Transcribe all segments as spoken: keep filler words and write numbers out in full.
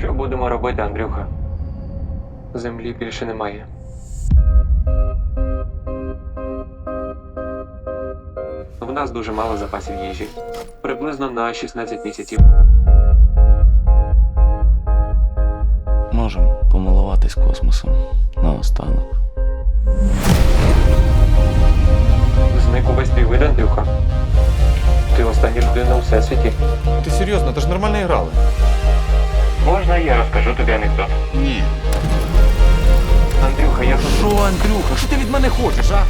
Що будемо робити, Андрюха? Землі більше немає. В нас дуже мало запасів їжі. Приблизно на шістнадцять місяців. Можемо помилуватись космосом наостанок. Зник увесь твій вид, Андрюха. Ти остання людина у всесвіті. Ти серйозно, ти ж нормально грали. Можна я розкажу тобі анекдот? Ні. Андрюха, я тут. Що, Андрюха, що ти від мене хочеш, а?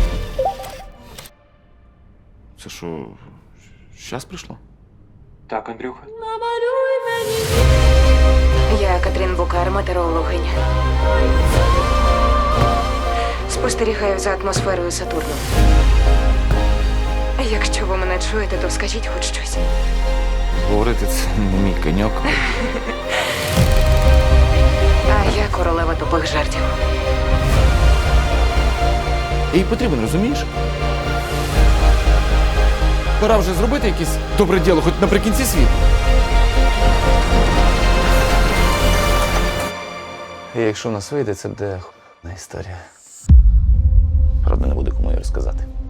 Це що, щас прийшло? Так, Андрюха. Я Катрін Букар, метеорологиня. Спостерігаю за атмосферою Сатурну. Якщо ви мене чуєте, то скажіть хоч щось. Говорити це не мій коньок. А я королева тупих жартів. Їй потрібен, розумієш? Пора вже зробити якесь добре діло, хоч наприкінці світу. І якщо в нас вийде, це буде х**на історія. Правда, не буде кому її розказати.